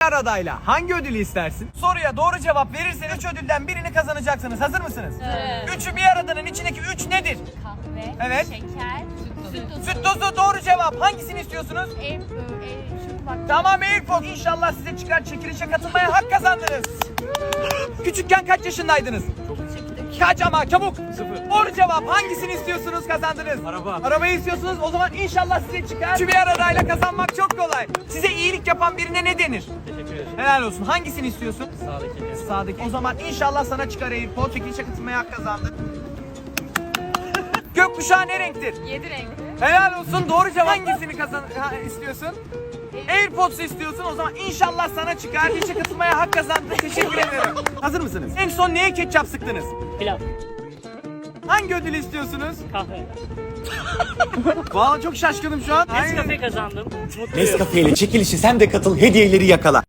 adayla hangi ödülü istersin? Soruya doğru cevap verirseniz 3 ödülden birini kazanacaksınız. Hazır mısınız? Evet. Üçü bir aradanın içindeki 3 nedir? Kahve, Evet. şeker, süt tozu. Süt tozu doğru cevap. Hangisini istiyorsunuz? Tamam AirPods. İnşallah size çıkar, çekilişe katılmaya hak kazandınız. Küçükken kaç yaşındaydınız? Kaç ama çabuk. 0. Doğru cevap. Hangisini istiyorsunuz, kazandınız? Araba. Arabayı istiyorsunuz. O zaman inşallah size çıkar. Şu bir aradayla kazanmak çok kolay. Size iyilik yapan birine ne denir? Teşekkür ederim. Helal olsun. Hangisini istiyorsun? Sağdaki. Sağdaki. O zaman inşallah sana çıkar AirPods. Çekilişe katılmaya hak kazandın. Gökkuşağı ne renktir? 7 renkli. Helal olsun. Doğru cevap. Hangisini istiyorsun? AirPods'u istiyorsun. O zaman inşallah sana çıkar. İşe katılmaya hak kazandın. Teşekkür ederim. Hazır mısınız? En son neye ketçap sıktınız? Pilav. Hangi ödülü istiyorsunuz? Kahve. Vallahi çok şaşkınım şu an. Nescafe kazandım. Mutluyum. Nescafe ile çekilişe sen de katıl, hediyeleri yakala.